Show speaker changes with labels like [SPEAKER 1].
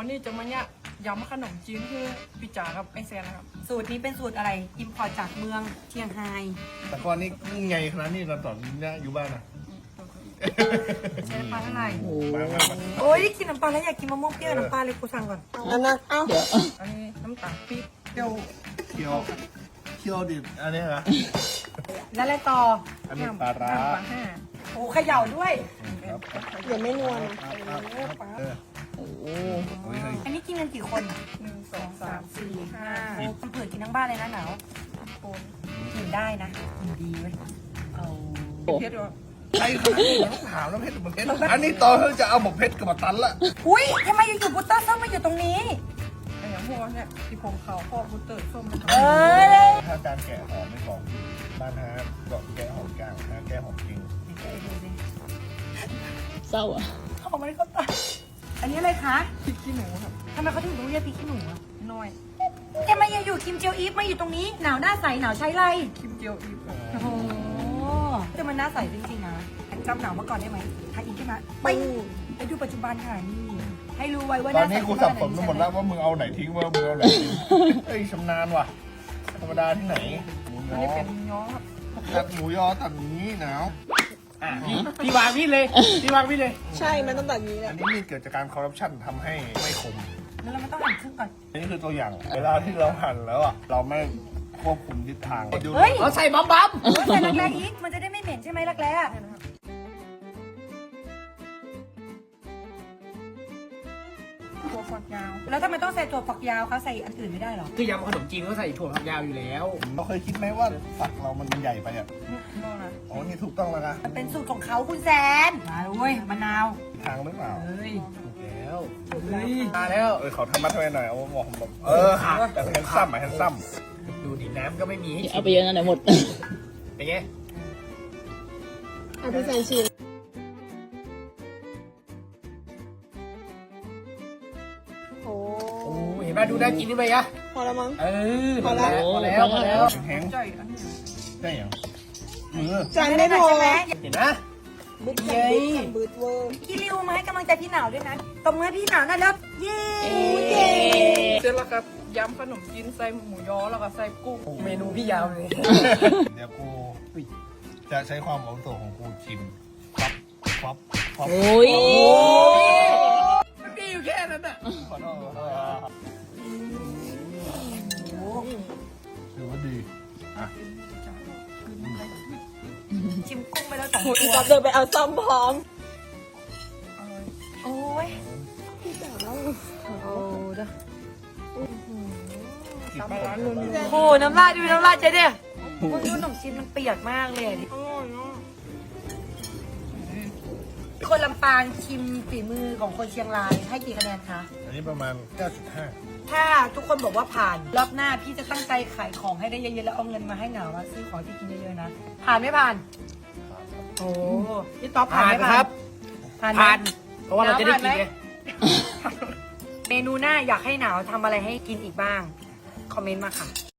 [SPEAKER 1] วันนี้จะมาเนี่ยยำขนมจีนคือพี่จ๋ากับไอแซนนะครับ
[SPEAKER 2] สูตรนี้เป็นสูตรอะไรอิมพอร์ตจากเมืองเชียงไฮ้
[SPEAKER 3] แต่ก่อนนี้ไงขนาดนี้เราตอนนี้อยู่บ้านนะ
[SPEAKER 2] ใช้น้ำปลาเท่าไหร่
[SPEAKER 3] มา
[SPEAKER 2] โอ้ยกินน้ำปลาแล้วอยากกินมะม่วงเปรี้ยวน้ำปลาเลยกูสั่งก่อน
[SPEAKER 4] อันนั้นเอ้า
[SPEAKER 1] อันนี้น้ำตาลปี๊บเปรี้ยว
[SPEAKER 3] เคี่ยวดิอันนี้เหรอ
[SPEAKER 2] แล้วอะไรต่อ
[SPEAKER 3] อันนี้ปลาร้า
[SPEAKER 1] น้ำปลาห้า
[SPEAKER 2] โอ้เขย่าด้วย
[SPEAKER 3] ครับ
[SPEAKER 4] เดี๋ยวไม่นัวนะ
[SPEAKER 3] เออโอ้โหเฮ้ย
[SPEAKER 2] อันนี้กินกันกี่คนอ่ะ
[SPEAKER 1] 1 2 3 4 5
[SPEAKER 2] โอ้คนเผื่อกินทั้งบ้านเลยนะหนาว
[SPEAKER 1] คน
[SPEAKER 2] กินได้นะกินดีเว้ยเอา
[SPEAKER 1] เพชรด้วย
[SPEAKER 3] ใช่ขนาดนี้ต้องถามแล้วเพชรมันเพชรอันนี้ตอนเขาจะเอาหมกเพชรกับมาตันละ
[SPEAKER 2] อุ้ยทำไมอยู่ๆบุตเตอร์ส้มมาอยู่ตรงนี้
[SPEAKER 1] ไอ้อย่างพวกเนี่ยที่ผมเขาพ่อบุตเตอร์ส้มนะครับ
[SPEAKER 2] เออ
[SPEAKER 3] ถ้าการแกะหอมไม่ของบ้านฮะก็แกะหอมกลางฮะแกะหอมจริง
[SPEAKER 4] เศร้าอ่ะ
[SPEAKER 2] เขาไม่ได้ก็ตายอันนี้อะไรคะ
[SPEAKER 1] พริกขี้หนูครับ
[SPEAKER 2] ทำไมเขาถึงต้องเรียกพริกขี้หนูอ่ะ
[SPEAKER 1] น้อย
[SPEAKER 2] แกมาอยู่คิมเจียวอีฟมาอยู่ตรงนี้หนาวหน้าใสหนาวใช้ไร
[SPEAKER 1] คิมเจียวอีฟครับ
[SPEAKER 2] โอ้โหแต่มันหน้าใสจริงๆนะจำหนาวมาก่อนได้ไหมถ้าอีกขึ้นมาไปดูปัจจุบันค่ะนี่ให้รู้ไว้ว่าห
[SPEAKER 3] ตอ
[SPEAKER 2] น้าน ใส
[SPEAKER 3] นี้กูสับสนไปหมดแล้วว่ามึงเอาไหนทิ้งว่ามึงเอาไหนทิ้งเฮ้ยชำนาญว่ะธรรมดาที่ไหนหมูย
[SPEAKER 1] อัน
[SPEAKER 3] อ
[SPEAKER 1] นี้เป็นย้อครับ
[SPEAKER 3] ตัดหมูยอตัดอย่างนี้หนาว
[SPEAKER 5] พี่วางมีดเลยพี่วางมีดเลย
[SPEAKER 4] ใช่มันต้องแบบนี้แห
[SPEAKER 3] อั
[SPEAKER 4] ละ
[SPEAKER 3] นนี้มีเกิดจากการคอร์รัปชันทำให้ไม่คม
[SPEAKER 2] แล้วเราไม่ต้องหั่นครึ่งก่อน
[SPEAKER 3] อันนี้คือตัวอย่าง เวลาที่เราหั่นแล้วอ่ะ เราไม่ควบคุมทิศทางดู
[SPEAKER 2] เฮ้ย
[SPEAKER 5] เราใส่บ๊อบบ๊อบ
[SPEAKER 2] ใส่รักแร้อีกมันจะได้ไม่เหม็นใช่ไหมรักแร้อะ
[SPEAKER 1] ถั่วฝักยาว
[SPEAKER 2] แล้วทำไมต้องใส่ถั่วฝักยาวเขาใส่อันอื่นไม่ได้หรอ
[SPEAKER 5] คือยำขนมจีนก็ใส่ถั่วฝักยาวอยู่แล้ว
[SPEAKER 3] เราเคยคิดไหมว่าฝักเรามันใหญ่ไปอ่ะ
[SPEAKER 1] นอกนะ
[SPEAKER 3] อ๋อ นี่ถูกต้องแล้วนะ
[SPEAKER 2] มันเป็นสูตรของเขาคุณแซนมาเลยเว้ยมะนาว
[SPEAKER 3] ทางหรือเปล่า
[SPEAKER 2] เฮ้ย
[SPEAKER 5] ถูกแล้วมาแล้ว
[SPEAKER 3] เขาทำมาทำไมหน่อย เอาบอกผมแบบแต่แฮนซัมอ่ะแฮนซัม
[SPEAKER 5] ดูดิน้ำก็ไม่มีให้
[SPEAKER 4] เอาไปเยอะนะเดี๋ยวหมด
[SPEAKER 5] เป็นไง
[SPEAKER 4] เอาพี่แซนชิมโอ้
[SPEAKER 5] โอ้เห็นไหมดูน่ากินนี่ไหมอะ
[SPEAKER 4] พอแล้วมั้ง
[SPEAKER 5] เออ
[SPEAKER 4] พอแล้ว
[SPEAKER 5] พอแล้วพอแล้ว
[SPEAKER 3] แห้ง
[SPEAKER 1] ใจอันนี้
[SPEAKER 3] ได้ยังมือ
[SPEAKER 4] จานไม่พอ
[SPEAKER 2] ใช่ไหม
[SPEAKER 5] เห็นนะ
[SPEAKER 4] บึ้ดจังบึ้ดจังบึ้ดเวอร์
[SPEAKER 2] พี่ริวมาให้กำลังใจพี่หนาวด้วยนะตบมือให้พี่หนาวหน่อยแล้วเย้
[SPEAKER 1] เสร็จแล้วครับยำขนมจีนใส่หมูยอแล้วก็ใส่กุ้ง
[SPEAKER 5] เมนูพี่ยาวเลย
[SPEAKER 3] เดี๋ยวกูจะใช้ความอาวุโสของกูชิมป๊อป
[SPEAKER 4] โอ้ย
[SPEAKER 5] มีอยู่แค่นั้นอ่ะ
[SPEAKER 3] ขอโทษถือว่าดีอ่ะ
[SPEAKER 2] ชิมกุ้งไปแล้วสอง
[SPEAKER 4] โอ้ย
[SPEAKER 2] ตัว
[SPEAKER 4] จับเดินไปเอาซ่อมพร้อม
[SPEAKER 2] โอ้ย
[SPEAKER 4] พี่จ๋าแล้ว
[SPEAKER 2] โอ้เด้อ
[SPEAKER 1] ตามร้านนู้น
[SPEAKER 2] โอ้น้ำลายดูน้ำลายเจ๊เนี่ยมึงดูขนมจีนมันเปียกมากเลยดิคนลำปางชิมฝีมือของคนเชียงรายให้กี่คะแนนคะ
[SPEAKER 3] อันนี้ประมาณ 9.5
[SPEAKER 2] ถ้าทุกคนบอกว่าผ่านรอบหน้าพี่จะตั้งใจขายของให้ได้เยอะๆแล้วเอาเงินมาให้หนาวมาซื้อของที่กินเยอะๆนะผ่านไม่ผ่าน โอ้พี่ต๊อบผ่าน
[SPEAKER 5] ผ่าน
[SPEAKER 2] ไม่
[SPEAKER 5] ครับ
[SPEAKER 2] ผ่านไหม
[SPEAKER 5] ผ่าน เพราะว่าเราจะได้กินไง
[SPEAKER 2] เมนูหน้าอยากให้หนาวทำอะไรให้กินอีกบ้าง คอมเมนต์มาค่ะ